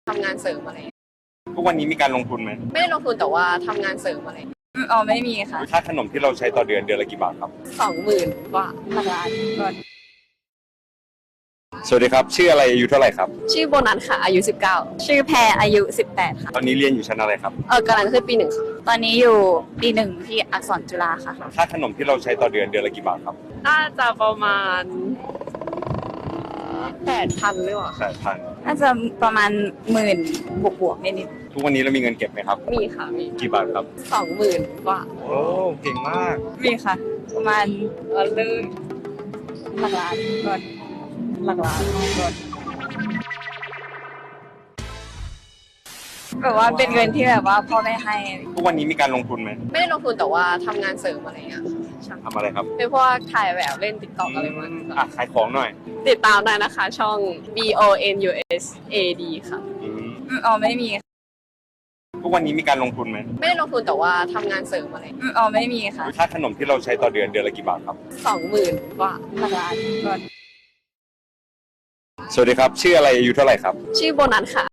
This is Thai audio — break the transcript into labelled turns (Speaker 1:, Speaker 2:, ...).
Speaker 1: ทำงานเสริมอะไร
Speaker 2: ทุกวันนี้มีการลงทุนไหม
Speaker 1: ไม่ได้ลงทุนแต่ว่าทำงานเสริมอะไร
Speaker 3: อ๋อไม่มีค่ะ
Speaker 2: ค่าขนมที่เราใช้ต่อเดือนเดือนละกี่บาทครับ
Speaker 1: 20,000 กว่า
Speaker 3: หลักล้านก็
Speaker 2: สวัสดีครับชื่ออะไรอายุเท่าไหร่ครับ
Speaker 1: ชื่อโบนัสค่ะ อายุ 19
Speaker 3: ชื่อแพรอายุ18ค่ะ
Speaker 2: ตอนนี้เรียนอยู่ชั้นอะไรครับ
Speaker 1: กำลังขึ้นปี 1ค่ะ
Speaker 3: ตอนนี้อยู่ปีหนึ่งที่อักษรจุฬาค่ะ
Speaker 2: ค่าขนมที่เราใช้ต่อเดือนเดือนละกี่บาทครับ
Speaker 1: น่าจะประมาณ 8,000 หรือเปล่า
Speaker 2: 8,000
Speaker 3: น่าจะประมาณ10,000บวกๆนิด
Speaker 2: ทุกวันนี้เรามีเงินเก็บไหมครับ
Speaker 1: มีค่ะ มี
Speaker 2: กี่บาทครับ
Speaker 1: 20,000 กว่า
Speaker 2: โอ้เก่งมาก
Speaker 3: ๆมีค่ะ ประมาณ
Speaker 1: เลย
Speaker 3: หลักล้านก็หลักล้านก็แบบว่าเป็นเงินที่แบบว่าพ่อแม่ให้
Speaker 2: ทุกวันนี้มีการลงทุนไหม
Speaker 1: ไม่ได้ลงทุนแต่ว่าทำงานเสริมอะไรเงี้ยใช่
Speaker 2: ทำอะไรครับ
Speaker 1: เป็นพวกถ่ายแบบเล่นติ๊กต็อกอะไรประมาณนี้
Speaker 2: อ่ะขายของหน่อย
Speaker 1: ติดตามได้นะคะ ช่อง BONUSAD ค่ะ
Speaker 3: อ๋อไม่มี
Speaker 2: ทุกวันนี้มีการลงทุนไหม
Speaker 1: ไม่ได้ลงทุนแต่ว่าทำงานเสริมอะไร
Speaker 3: อ๋อไม่มีค่ะ
Speaker 2: ค่าขนมที่เราใช้ต่อเดือนเดือนละกี่บาทครับ
Speaker 1: 20,000 กว่า
Speaker 3: หลักล้านก็
Speaker 2: สวัสดีครับชื่ออะไรอายุเท่าไหร่ครับ
Speaker 1: ชื่อโบนัสค่ะ